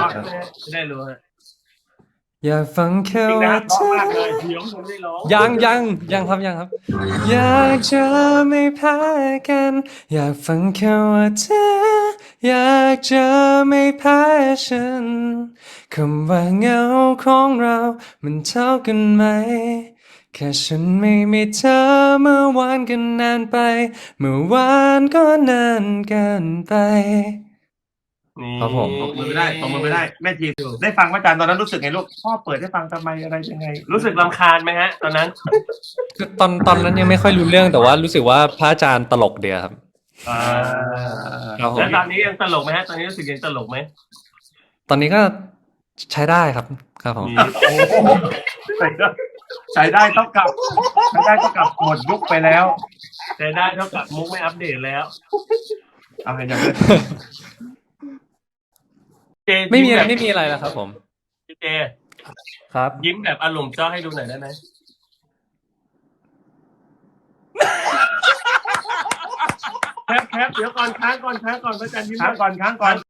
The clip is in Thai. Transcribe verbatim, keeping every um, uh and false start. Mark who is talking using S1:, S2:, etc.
S1: ฟังใช่ไหมจะได้รู้ฮะ
S2: อยากฟังแค่
S1: จริงนะ
S2: ว่า
S1: ร้อง
S2: เธอ
S1: มากเลยเดี๋ยวผมได้ร้อง
S2: ยังยังยังครับยังครับ อยากจะไม่แพ้กัน อยากฟังแค่ว่าเธอ อยากจะไม่แพ้ฉันคำว่าเหงาของเรา มันเท่ากันไหม แค่ฉันไม่มีเธอเมื่อวานก็นานไป เมื่อวานก็นานเกินไป
S1: นี่
S2: ครับผม
S3: ตบมือไม่ได้ตบมือไม่ได้แม่ทีได้ฟังพระอาจารย์ตอนนั้นรู้สึกไงลูกพ่อเปิดให้ฟังทำไมอะไรยังไง
S1: รู้สึกรำคาญไหมฮะ ตอนนั้น
S2: คือตอนตอนนั้นยังไม่ค่อยรู้เรื่องแต่ว่ารู้สึกว่าพระอาจารย์ตลกเดียวครับ
S1: อ่า
S2: ครับผม
S1: แล้วตอนนี้ยังตลกไหมฮะ ตอนนี้รู้สึกยังตลกไหม
S2: ตอนนี้ก็ใช้ได้ครับครับผม
S1: นี่โอ้โห
S3: ใช้ได้ใช้ได้เท่ากับใช้ได้เท่ากับหมดยุคไปแล้ว
S1: แต่ได้เท่ากับมุกไม่อัปเดตแล้ว
S3: เอาเห็นอย่างนั้น
S1: เจ
S2: ไม่มีอะไร
S1: ยิ้
S2: ไม่
S1: แบบ
S2: มีอะไรแล้วครับผม
S1: เจ
S2: ครับ
S1: ยิ้มแบบอารมณ์เจ้าให้ดูหน่อยได้ไหมแคปแคปเดี๋ยวก่อนค้างก่อนค้างก่อนพระอาจารย์ยิ้ม
S3: ค้างก่อนค้างก่อน